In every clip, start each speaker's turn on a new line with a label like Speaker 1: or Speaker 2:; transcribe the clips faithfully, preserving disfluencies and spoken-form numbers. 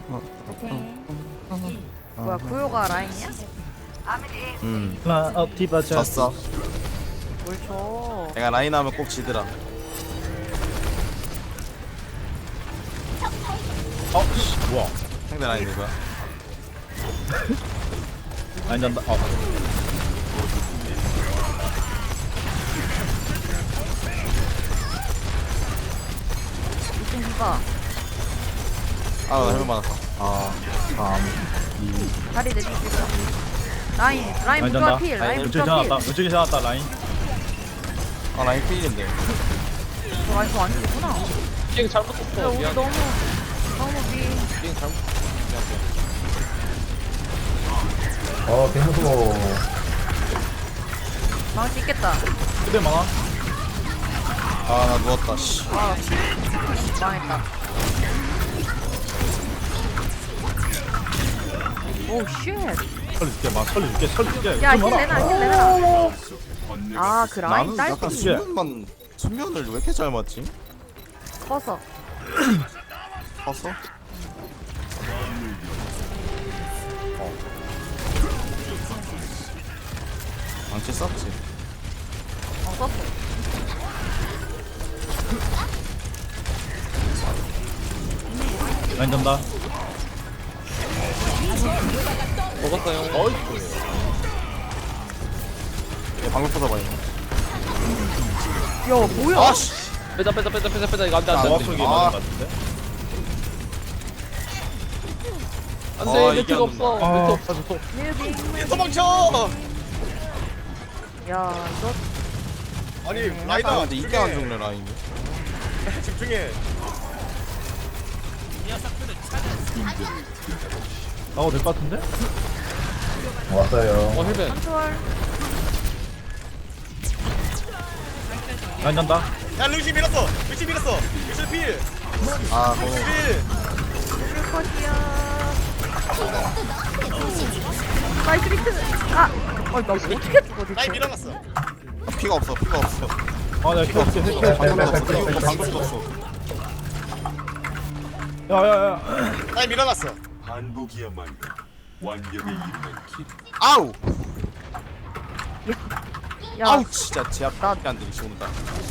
Speaker 1: 뭐야 구요가 라인이야?
Speaker 2: 음
Speaker 3: 라, 어, 디바 자.
Speaker 2: 졌어.
Speaker 1: 뭘 줘?
Speaker 2: 내가 라인 하면 꼭 지더라.
Speaker 3: 어, 씨, 뭐야?
Speaker 2: 상대 라인 누구야?
Speaker 3: 아니, 난다. 어.
Speaker 1: 이층 디바.
Speaker 2: 아나 해볼 많았어.
Speaker 3: 아, 삼, 이.
Speaker 1: 다리 내리고 있어. 라인 라인
Speaker 3: 아니,
Speaker 1: 부조화
Speaker 3: 난다.
Speaker 1: 필. 라인
Speaker 3: 왼쪽에
Speaker 1: 부조화 필.
Speaker 3: 지나갔다. 왼쪽에 지나갔다, 라인.
Speaker 2: 아 라인 필인데.
Speaker 1: 저 라인 저안 죽구나.
Speaker 4: 갱
Speaker 1: 야
Speaker 4: 잘못했어.
Speaker 1: 우리
Speaker 4: 미안.
Speaker 1: 너무 너무 미.
Speaker 4: 갱 잘못.
Speaker 5: 어, 개 무서워.
Speaker 1: 망할 수 있겠다.
Speaker 3: 그대 많아.
Speaker 2: 아 나 누웠다. 씨.
Speaker 1: 아 망했다. 오 쉣.
Speaker 3: 살려줄게, 막 살려줄게, 살려줄게.
Speaker 1: 야,
Speaker 3: 좀
Speaker 1: 힐
Speaker 3: 많아.
Speaker 1: 내놔, 힐 내놔. 아, 그 라인
Speaker 2: 나는 약간
Speaker 1: 딸피
Speaker 2: 수면만 수면을 왜 이렇게 잘 맞지?
Speaker 1: 커서.
Speaker 2: 봤어? 망치 썼지.
Speaker 1: 어, 썼어.
Speaker 3: 라인 잔다.
Speaker 4: 먹었어요. 어이.
Speaker 2: 얘 방금 poz어봐 이거.
Speaker 1: 야, 뭐야?
Speaker 2: 아씨.
Speaker 4: 빼자 빼자 빼자 빼자 빼자 이거 안돼 안돼
Speaker 2: 아,
Speaker 4: 안돼.
Speaker 3: 정확하게
Speaker 2: 아.
Speaker 3: 맞는 것 같은데?
Speaker 2: 아,
Speaker 4: 안돼
Speaker 2: 이게
Speaker 4: 네트가
Speaker 2: 안
Speaker 4: 없어.
Speaker 3: 아,
Speaker 4: 네트 없어.
Speaker 1: 뮤빙.
Speaker 6: 도망쳐!
Speaker 1: 야, 이거
Speaker 6: 아니
Speaker 2: 아
Speaker 6: 라이더
Speaker 2: 근데 이게 안 죽네 라인이.
Speaker 6: 집중해.
Speaker 3: 나와도 될 것 같은데?
Speaker 5: 왔어요.
Speaker 4: 어 힐벤.
Speaker 1: 컨트롤.
Speaker 3: 라인 잔다.
Speaker 6: 야 루시 밀었어. 루시 밀었어. 루시 필.
Speaker 2: 아 너무.
Speaker 6: 필.
Speaker 1: 컷이야. 나이스 비트. 아, 어, 나 어떻게 죽어
Speaker 6: 라인
Speaker 1: 대체?
Speaker 6: 밀어놨어.
Speaker 2: 아, 피가 없어 피가 없어.
Speaker 3: 아, 내가 켜, 켜, 켜, 켜.
Speaker 2: 방금 없어. 이거 방금 죽었어.
Speaker 3: 야, 야, 야.
Speaker 6: 라인 밀어놨어.
Speaker 7: 반복이야말로 완벽에 이르는 길.
Speaker 2: 아우.
Speaker 1: 야,
Speaker 2: 아우 진짜 제 앞에 안 되게 죽는다.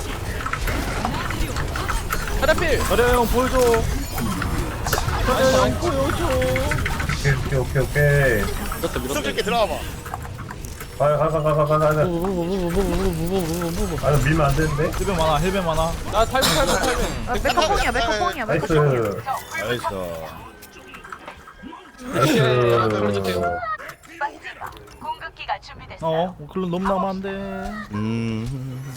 Speaker 4: 하나필.
Speaker 3: 그래, 형, 보여줘. 그래, 형, 보여줘.
Speaker 5: 오케이, 오케이, 오케이, 오케이.
Speaker 4: 밀었다 밀었다.
Speaker 6: 숨 쉽게 들어와봐.
Speaker 5: 가, 가, 가, 가, 가, 가, 가. 아, 밀면 안 되는데?
Speaker 3: 힐벤 많아, 힐벤 많아.
Speaker 4: 나 탈출 탈출 탈출.
Speaker 1: 아, 메카뽕이야, 메카뽕이야,
Speaker 5: 나이스.
Speaker 1: 메카뽕이야.
Speaker 3: 나이스.
Speaker 5: 나이스.
Speaker 3: 어, 클론 너무 나면 안 돼.
Speaker 2: 음.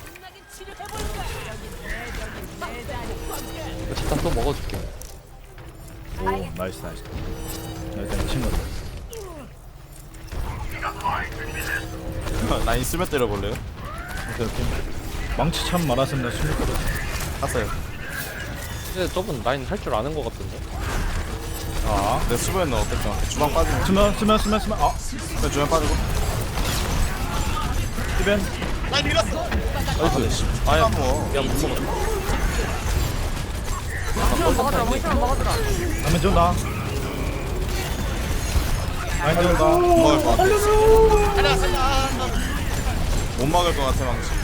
Speaker 4: 잠깐 또 먹어줄게.
Speaker 3: 오, 나이스, 나이스. 일단 이 친구들.
Speaker 2: 라인 쓰면 때려볼래요?
Speaker 3: 오케이, 오케이. 망치 참 많았으면 나 숨을 거든.
Speaker 2: 땄어요.
Speaker 4: 근데 저분 라인 할 줄 아는 거 같은데.
Speaker 3: 아,
Speaker 2: 내 수면은 어땠죠? 주방 빠지고.
Speaker 3: 스면, 스면, 스면, 스면. 아,
Speaker 2: 내 주방 빠지고.
Speaker 3: 힐벤.
Speaker 6: 라인 밀었어.
Speaker 2: 나이스. 아야 뭐.
Speaker 4: 야 못 먹었어.
Speaker 1: 멍청한 먹어주라, 멍청한 먹어주라.
Speaker 3: 라면 준다. 라인 준다.
Speaker 2: 못 막을 것 같아.
Speaker 6: 살려 살려.
Speaker 2: 못 막을 것 같아 망치.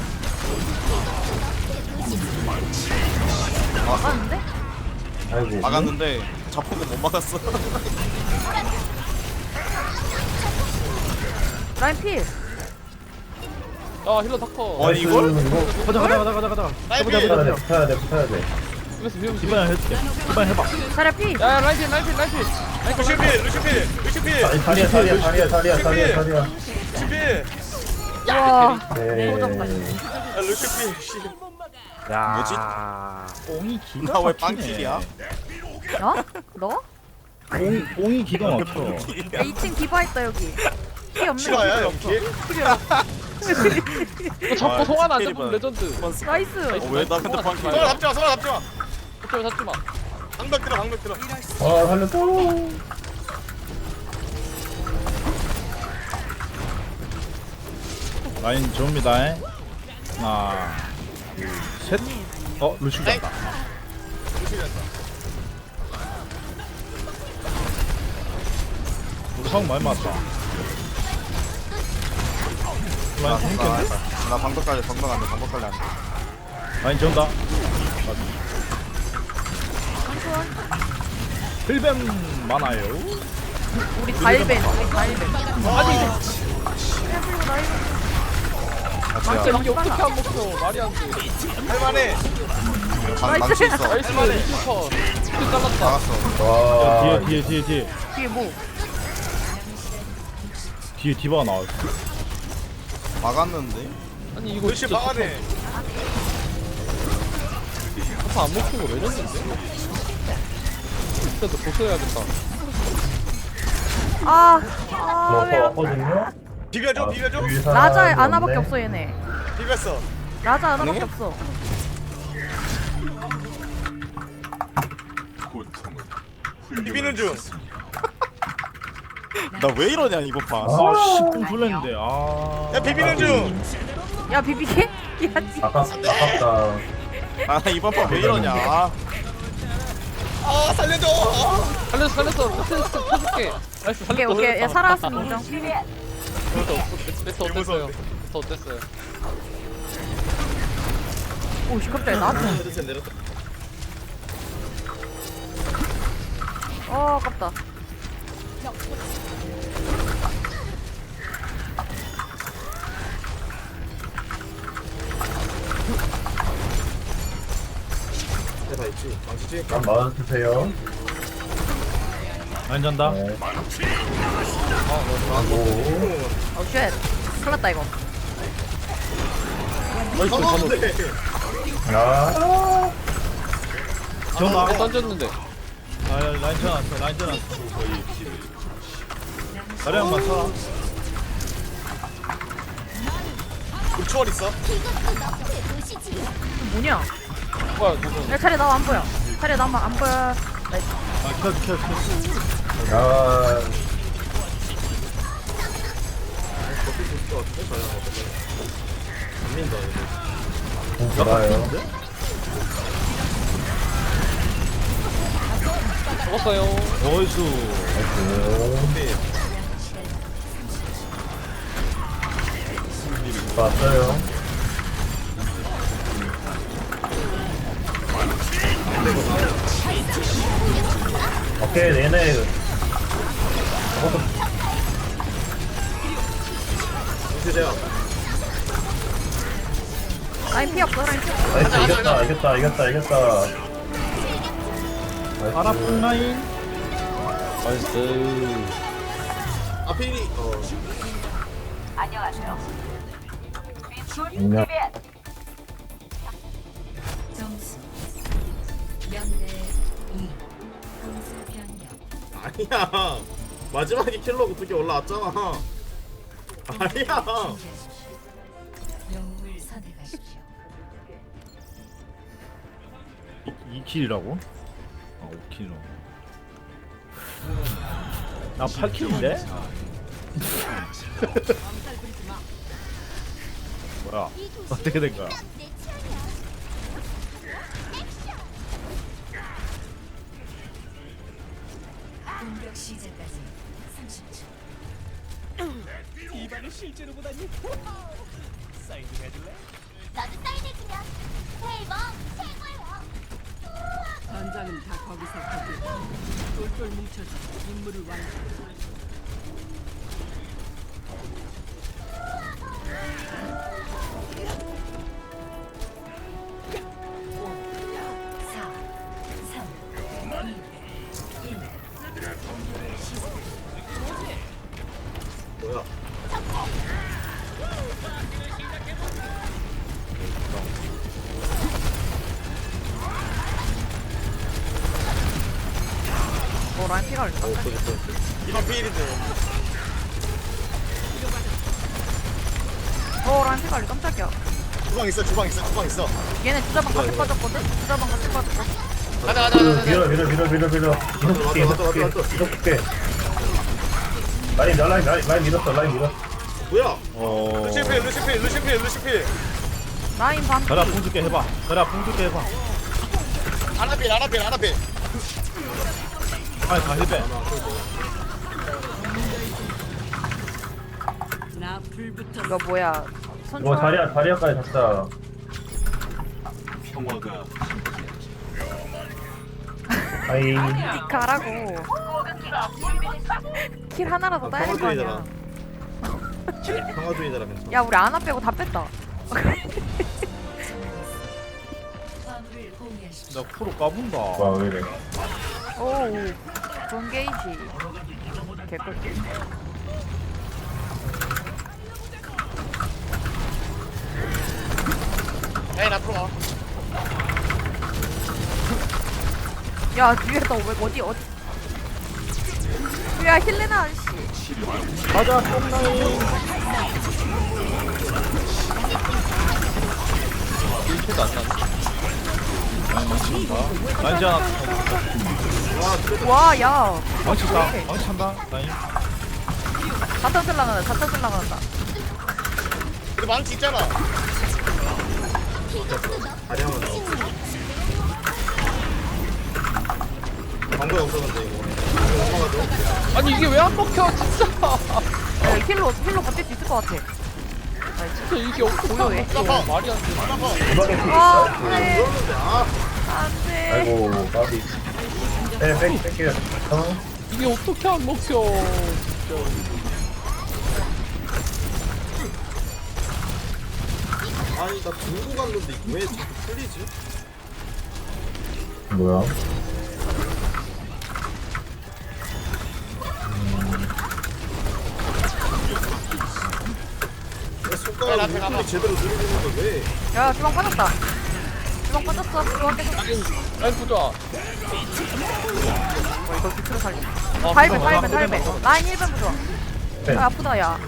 Speaker 1: 막았는데?
Speaker 5: 아이고.
Speaker 2: 막았는데 자폭은 못 막았어.
Speaker 1: 라인 필.
Speaker 4: 아 힐러 다커.
Speaker 2: 아니 이걸?
Speaker 5: 이거
Speaker 3: 가자, 가자, 가자, 가자, 가자.
Speaker 6: 라인
Speaker 3: 해보자,
Speaker 6: 필.
Speaker 3: 해보자.
Speaker 5: 붙어야 돼, 붙어야 돼, 붙어야 돼.
Speaker 4: 이거서 미움
Speaker 3: 이번에 해줄게. 이번에 해봐.
Speaker 1: 자리야 필.
Speaker 4: 야 라인 필 라인 필 라인 필.
Speaker 6: 루시 필. 루시 필. 루시 필.
Speaker 5: 아니, 다리야, 다리야, 다리야, 다리야, 다리야, 다리야.
Speaker 6: 루시 필.
Speaker 1: 와,
Speaker 5: 네.
Speaker 6: 야 루시 필. 씨.
Speaker 3: 야, 뽕이 기가
Speaker 2: 나 왜
Speaker 3: 막히네.
Speaker 2: 빵킬이야?
Speaker 1: 어? 너?
Speaker 3: 뽕, 뽕이 기가 막혀.
Speaker 1: 야, 이 층 디바 있다 여기. 피 없는
Speaker 6: 싫어야
Speaker 1: 거.
Speaker 6: 연기?
Speaker 4: 이거 잡고 송하나 안 잡으면
Speaker 2: 아,
Speaker 4: 레전드.
Speaker 1: 나이스.
Speaker 2: 어, 왜 나 근데 빵킬?
Speaker 6: 손을 잡지 마. 손을 잡지 마.
Speaker 4: 어쩌면 잡지 마.
Speaker 6: 방벽 들어. 방벽 들어.
Speaker 5: 아, 살렸어.
Speaker 3: 라인 좋습니다. 하나, 둘, 셋. 어, 루시 간다.
Speaker 6: 루시 된다.
Speaker 3: 형 많이 맞다.
Speaker 2: 나,
Speaker 3: 라인 재밌겠는데?
Speaker 2: 나, 나 방벽 깔려 방벽 안돼 방벽 깔려 안돼.
Speaker 3: 라인 전다. 힐뱀 많아요.
Speaker 1: 우리 다일벤 우리 다일벤
Speaker 4: 아니
Speaker 2: 같이
Speaker 4: 진짜
Speaker 2: 가.
Speaker 4: 이게 어떻게 안 먹혀 말이 안돼
Speaker 6: 할만해.
Speaker 2: 방 망치 있어.
Speaker 4: 나이스 리스퍼 킬 잘랐다
Speaker 2: 나갔어.
Speaker 5: 와
Speaker 3: 뒤에 뒤에 뒤에 뒤에
Speaker 1: 뒤에 뭐
Speaker 3: 뒤에 디바가 나와.
Speaker 2: 막았는데.
Speaker 4: 아니 이거
Speaker 6: 루시
Speaker 4: 진짜
Speaker 6: 막아내.
Speaker 4: 아파 안 먹힌 거왜 이랬는데 진짜 너 고쳐야겠다
Speaker 1: 아,
Speaker 5: 뭐
Speaker 1: 아, 왜
Speaker 5: 왔거든요?
Speaker 6: 비벼줘 비벼줘.
Speaker 1: 라자 아나밖에 없어 얘네.
Speaker 6: 비볐어.
Speaker 1: 라자 아나밖에 없어.
Speaker 7: 고통은
Speaker 6: 비비는 중.
Speaker 2: 나 왜 이러냐 이번 판.
Speaker 3: 아 십 분 풀렸는데. 아.
Speaker 6: 야 비비는 중.
Speaker 1: 야 비비게? 야 지.
Speaker 5: 아깝, 아깝다.
Speaker 2: 아 이번 판 왜 이러냐. 아,
Speaker 6: 아 살려줘.
Speaker 4: 살렸어 살렸어 패스 펴줄게 나이스
Speaker 1: 오케이
Speaker 4: 살렸다
Speaker 1: 오케이. 야 살아왔으면 인정.
Speaker 4: 패스 어땠어요? 패스 어땠어요?
Speaker 1: 오씨 갑자기 나한테.
Speaker 6: 내렸다.
Speaker 1: 어 아깝다.
Speaker 6: 다 있지. 망치지.
Speaker 5: 한 맞아주세요.
Speaker 3: 라인 전다.
Speaker 5: 네.
Speaker 1: 어 쉣. 큰일났다 이거.
Speaker 6: 상관없는데.
Speaker 5: 아,
Speaker 3: 전다.
Speaker 4: 어, 던졌는데
Speaker 3: 아 라인 전왔어. 라인 전왔어. 거의. 다리 한번 쳐.
Speaker 6: 우리 초월 있어.
Speaker 1: 뭐냐?
Speaker 4: 뭐야 누구
Speaker 1: 내 차례 나와 안 보여. 차례 나와 안 보여. 나이스.
Speaker 3: 아 켜줘 켜줘 켜줘.
Speaker 5: 아, 공 돌아요.
Speaker 4: 죽었어요
Speaker 3: 어이수.
Speaker 5: 나이스. 왔어요. 오케이, 얘네. 저것도
Speaker 6: 주세요.
Speaker 1: 라인 피 없어 라인 피 없어.
Speaker 5: 나이스, 이겼다, 이겼다, 이겼다, 이겼다. 나이스.
Speaker 3: 파라풍 라인.
Speaker 4: 나이스
Speaker 6: 아필이. 어.
Speaker 5: 인정.
Speaker 8: 점수 영 대 이. 공수 변경.
Speaker 6: 아니야. 마지막에 킬러가 어떻게 올라왔잖아. 아니야.
Speaker 8: 영웅을 선택하십시오.
Speaker 3: 이 킬이라고? 아 오 킬로. 나 팔 킬인데? 뭐야? 어떻게 된 거야?
Speaker 8: 공격 시작까지 삼십 초.
Speaker 9: 나도 사인해주면 대박 최고야.
Speaker 10: 전장은 다 거기서 거기 똘똘 뭉쳐서 임무를 완수.
Speaker 8: 사, 삼, 이, 일.
Speaker 6: 뭐야?
Speaker 1: 어 라인 피가 올렸다.
Speaker 6: 이번 필인데.
Speaker 1: 어 라인 피가 올렸 깜짝이야.
Speaker 6: 주방 있어. 주방 있어. 주방 있어.
Speaker 1: 얘네 주자방 같이 빠졌거든. 주자방 같이 빠졌거든.
Speaker 6: 가자 가자 가자.
Speaker 5: 밀어, 밀어, 밀어, 밀어, 밀어. 이거 볼게, 이거 볼게, 이거 볼게. 라인, 나 라인, 라인, 라인 밀었어, 라인 밀었어.
Speaker 6: 뭐야?
Speaker 3: 어.
Speaker 6: 루시필 루시필 루시필 루시필.
Speaker 1: 라인 반.
Speaker 3: 가라 풍 줄게 해봐. 가라 풍 줄게 해봐.
Speaker 6: 아나필 아나필 아나필.
Speaker 3: 아니 다 힐배.
Speaker 10: 불붙어
Speaker 1: 이거 뭐야?
Speaker 5: 이거
Speaker 1: 선초.
Speaker 5: 자리야 자리야까지 잡자.
Speaker 7: 평화가
Speaker 5: 아이
Speaker 1: 가라고. 킬 하나라도 따야 될 거 아니야.
Speaker 6: 평화주의자라 괜찮아.
Speaker 1: 야 우리 아나 빼고 다 뺐다.
Speaker 8: 화물을 공유하십시오.
Speaker 3: 나 프로 까본다.
Speaker 5: 와 왜이래.
Speaker 1: 오, 좋은 게이지. 개꿀.
Speaker 6: 에이 앞으로 와.
Speaker 1: 야 뒤에 너 왜 어디 어디? 야 힐레나 아저씨.
Speaker 3: 가자 뽕나이.
Speaker 4: 일 초도 안 나네.
Speaker 3: 라인 망친다. 라인 하나.
Speaker 1: 와 야.
Speaker 3: 망친다. 망친다. 라인.
Speaker 1: 자탄 쓸라간다. 자탄 쓸라간다.
Speaker 6: 우리 망치 있잖아. 다리야만 나와. 방법이 없었는데 이거.
Speaker 4: 아니 이게 왜 안 먹혀 진짜.
Speaker 1: 야, 힐로 힐로 버틸 수 있을 것 같아.
Speaker 4: 진짜 이게 어떻게
Speaker 1: 뭐야, 왜?
Speaker 4: 먹혀. 말이 안 돼.
Speaker 5: 이번에 피
Speaker 1: 아
Speaker 5: 있어?
Speaker 1: 안돼. 안돼.
Speaker 5: 아이고 까비. 네 뺄게 뺄게요. 어?
Speaker 4: 이게 어떻게 안 먹혀.
Speaker 6: 아니 나 들고 갔는데 왜 자꾸 풀리지?
Speaker 5: 뭐야?
Speaker 6: 내 손가락 왜 제대로 누르고 있는데 왜?
Speaker 1: 야 주방 빠졌다. 주방 빠졌어. 주방 계속.
Speaker 4: 라인 부자.
Speaker 1: 어, 이거 비트로 살려. 달배 달배 달배. 라인 일 번 부좋아.
Speaker 5: 네.
Speaker 1: 아, 아프다 야.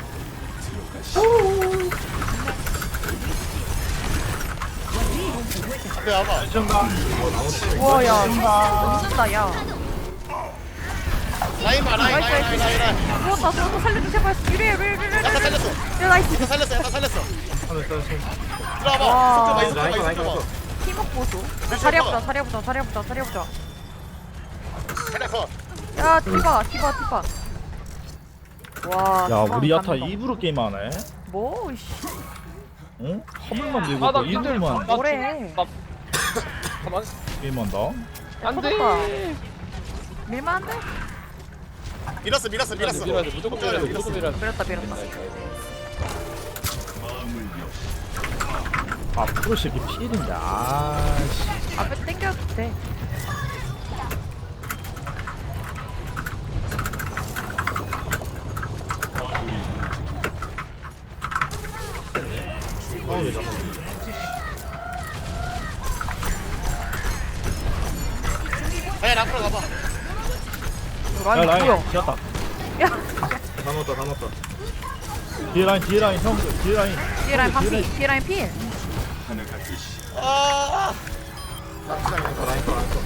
Speaker 6: 앞에 와봐.
Speaker 1: 우와 야. 녹는다 야.
Speaker 6: 라인 봐 라인 라인 라인 라인 라인.
Speaker 1: 죽었다 죽었다 살려줘 제발. 이래 이래 이래 이래.
Speaker 6: 약간 살렸어.
Speaker 1: 야 나이스.
Speaker 6: 약간 살렸어 약간 살렸어.
Speaker 3: 하나 따라
Speaker 6: 들어와봐.
Speaker 1: 와.
Speaker 6: 속좀 많이 들어와 있어.
Speaker 1: 팀워크 보소. 자리해보자 자리해보자 자리해보자 자리해보자.
Speaker 6: 살렸어.
Speaker 1: 야 티바 티바 티바. 와.
Speaker 3: 야
Speaker 1: 티바
Speaker 3: 우리 야타
Speaker 1: 감동.
Speaker 3: 입으로 게임하네.
Speaker 1: 뭐 씨.
Speaker 3: 응? 화물만 들고
Speaker 4: 아, 나
Speaker 3: 또 이들만
Speaker 4: 나
Speaker 1: 뭐래.
Speaker 4: 나 가만.
Speaker 3: 게임한다.
Speaker 4: 안 돼.
Speaker 1: 터졌다. 밀면 안 돼?
Speaker 6: 밀었어 밀었어 밀었어.
Speaker 4: 밀어야 돼. 무조건 밀어야 돼. 무조건 밀어야 돼.
Speaker 1: 밀었다 밀었다.
Speaker 3: 아 프로 새끼 피해인데. 아씨.
Speaker 1: 앞에 땡겨도 돼.
Speaker 6: 라인 앞으로 가봐.
Speaker 3: 야
Speaker 1: 라인
Speaker 3: 라인
Speaker 1: 뭐야?
Speaker 3: 지었다.
Speaker 1: 야
Speaker 6: 다 넣었다 다 넣었다.
Speaker 3: 뒤에 라인 뒤에 라인 형 뒤에 라인.
Speaker 1: 뒤에 라인 반피 뒤에 라인 피.
Speaker 7: 하나가 되시
Speaker 6: 아. 라인 거 라인 거 라인 거.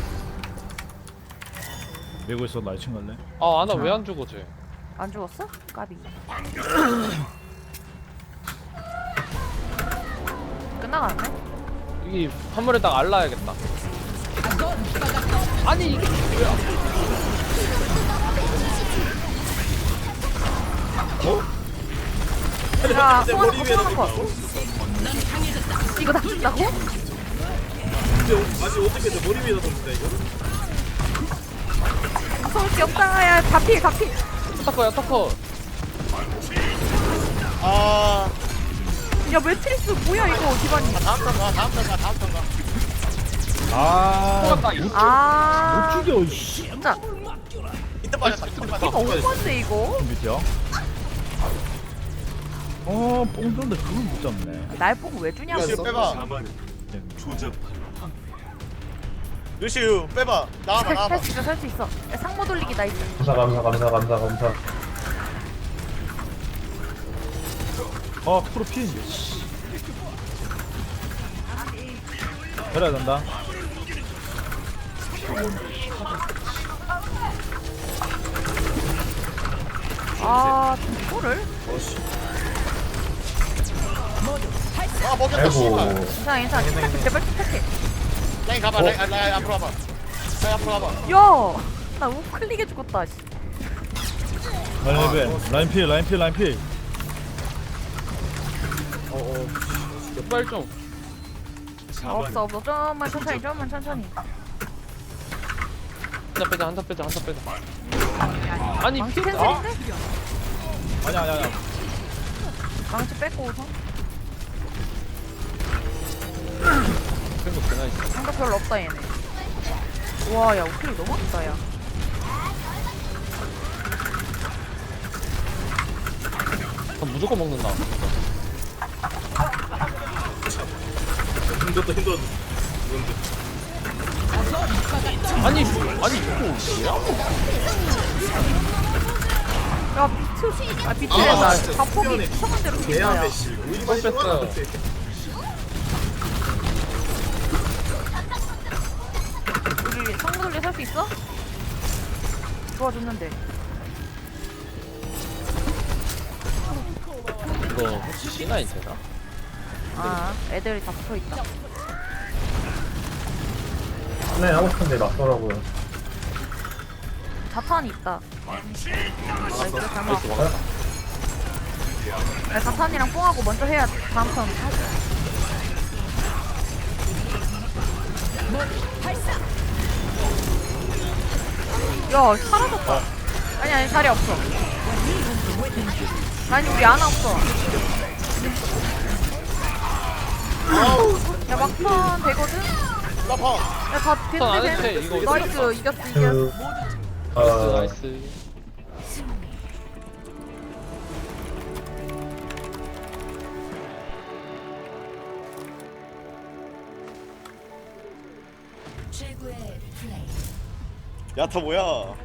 Speaker 3: 메고 있어 라이친 갈래?
Speaker 4: 아 아나 왜 안 죽어 쟤.
Speaker 1: 안 죽었어? 까비. 끝나가네?
Speaker 4: 이게 한물에 딱 알라야겠다. 아니 이게 뭐야?
Speaker 1: 야, 송하나 거, 송하나 거. 이거 다 준다고?
Speaker 6: 아니 어떻게 내 머리 위에다 뒀는데 이거?
Speaker 1: 무서울 게 없다. 야, 다 피, 다 피.
Speaker 4: 타커야 타커.
Speaker 6: 아.
Speaker 1: 야, 매트리스 뭐야, 이거, 기반이.
Speaker 6: 다음 턴 가, 다음 턴 가, 다음 턴 가.
Speaker 3: 아.
Speaker 4: 나
Speaker 3: 못,
Speaker 1: 아.
Speaker 3: 못 죽여 씨.
Speaker 1: 진짜.
Speaker 6: 이때 빠졌다, 이때 빠졌다.
Speaker 1: 이거 오버인데, 이거?
Speaker 3: 밑이야? 어, 뽕 떴는데 그걸 못 잡네.
Speaker 1: 날 보고 왜 주냐고.
Speaker 6: 루시우 빼봐.
Speaker 7: 자만 조잡한
Speaker 6: 루시우 빼봐. 나와봐, 나와봐.
Speaker 1: 살 수 있어, 살 수 있어. 야, 상모 돌리기 나이스.
Speaker 5: 감사 감사 감사 감사 감사.
Speaker 3: 아, 프로 피인데. 씨. 그래야 된다.
Speaker 1: 아, 이거를?
Speaker 6: 아, 먹였다,
Speaker 5: 아이고.
Speaker 6: 씨발.
Speaker 1: 괜찮아, 괜찮아. 침착해, 제발 침착해.
Speaker 6: 라인 가봐, 라인, 아, 라인 앞으로 와봐. 라인 앞으로 와봐.
Speaker 1: 야! 나 우클릭해 죽었다, 씨.
Speaker 3: 라인 배 라인 필, 라인 필, 라인 필.
Speaker 4: 어어 빨리 좀
Speaker 1: 없어 없어 좀만 천천히 좀만 천천히.
Speaker 4: 한타 빼자 한타 빼자 한타 빼자 아니
Speaker 1: 망치
Speaker 4: 피
Speaker 1: 캔슬인데?
Speaker 3: 아니야 아니야 아니야.
Speaker 1: 망치 뺏고 우선.
Speaker 4: 생각 되나 있어
Speaker 1: 생각 별로 없다 얘네. 와야 우클이 너무 없다 야.
Speaker 4: 그럼 무조건 먹는다
Speaker 3: 힘들었다 힘들었다.
Speaker 4: 아니 아니 이거 뭐야?
Speaker 1: 야 비트. 아 비트랜다. 자폭이 이상한 대로 생긴다 야.
Speaker 4: 이번 뺐어요
Speaker 1: 우리 성구들리 살 수 있어? 도와줬는데.
Speaker 4: 이거 혹시 씨나인 되나?
Speaker 1: 아 애들이 다 붙어있다.
Speaker 5: 네, 하고 싶은데 낫더라고요.
Speaker 1: 자탄이 있다. 나이스 잘
Speaker 4: 나이스
Speaker 1: 막았다.
Speaker 4: 막았다
Speaker 1: 야, 자탄이랑 뽕하고 먼저 해야 다음 턴 하자. 야 사라졌다. 아니 아니 자리 없어. 아니 우리 아나 없어. 야 막판 되거든?
Speaker 6: 라파.
Speaker 1: 야다
Speaker 4: 턴안 해도
Speaker 1: 됐는데
Speaker 4: 돼, 이거
Speaker 1: 나이스 이겼어 이겼어.
Speaker 5: 그,
Speaker 4: 나이스
Speaker 5: 어,
Speaker 4: 나이스
Speaker 8: 최고의 플레이.
Speaker 2: 야타 뭐야?